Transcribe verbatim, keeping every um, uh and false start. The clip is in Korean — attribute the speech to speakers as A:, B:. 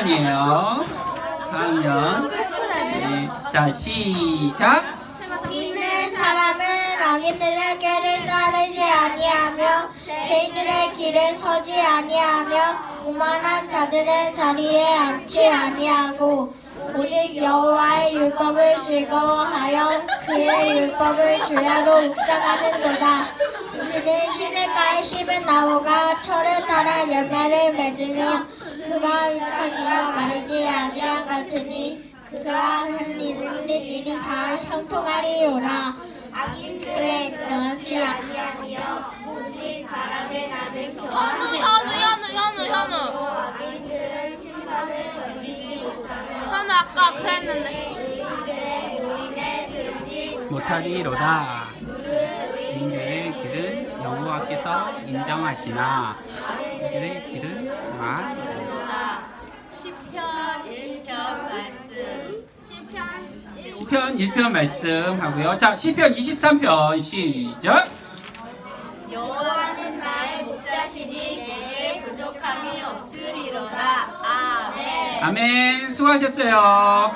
A: 학년이에요. 사 학년. 네. 자, 시작.
B: 있는 사람은 악인들의 길을 따르지 아니하며 죄인들의 길에 서지 아니하며 오만한 자들의 자리에 앉지 아니하고 오직 여호와의 율법을 즐거워하여 그의 율법을 주야로 묵상하는도다. 그는 시냇가에 심은 나무가 철을 따라 열매를 맺으며 그가 잎사귀어 마르지 아니한 같으니 그가 한 일은 일이 다 형통하리로라. 악인들의 명하지 아니하며 오직 바람에 나는
C: 현우
B: 경험하지
C: 현우 현우 현우 현우
B: 악인들은 심판을 견디지 못하며
C: 현우 아까 그랬는데
B: 의인들의 모임에 들지
A: 못하리로다. 인들의 길은 여호와께서 인정하시나 이들의 길은 정하리로다.
D: 시편 일 편 말씀.
A: 시편 일 편 말씀 하고요. 자, 시편 이십삼 편 시작.
D: 여호와는 나의 목자시니 내게 부족함이 없으리로다. 아멘.
A: 아멘. 수고하셨어요.